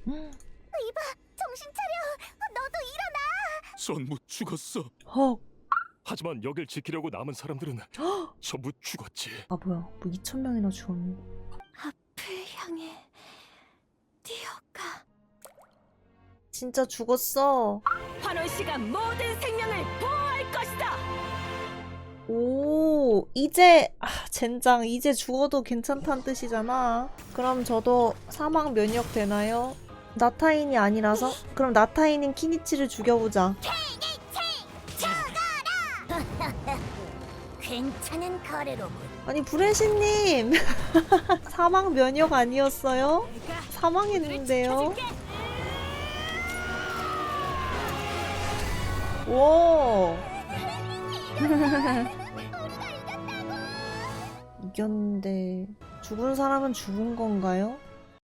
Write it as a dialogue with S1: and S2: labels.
S1: 이봐, 정신 차려. 너도 일어나.
S2: 전부 죽었어.
S3: 헉.
S2: 하지만 여길 지키려고 남은 사람들은 전부 죽었지.
S3: 아 뭐야, 뭐 2,000명이나 죽었네.
S1: 앞을 향해 뛰어가.
S3: 진짜 죽었어.
S1: 환원 씨가 모든 생명을 보호할 것이다.
S3: 오, 이제 젠장, 이제 죽어도 괜찮다는 뜻이잖아. 그럼 저도 사망 면역 되나요? 나타인이 아니라서? 그럼 나타인인 키니치를 죽여보자.
S1: 괜찮은 거래로군.
S3: 아니 브레시님 사망 면역 아니었어요? 사망했는데요? 오 이겼는데 죽은 사람은 죽은 건가요?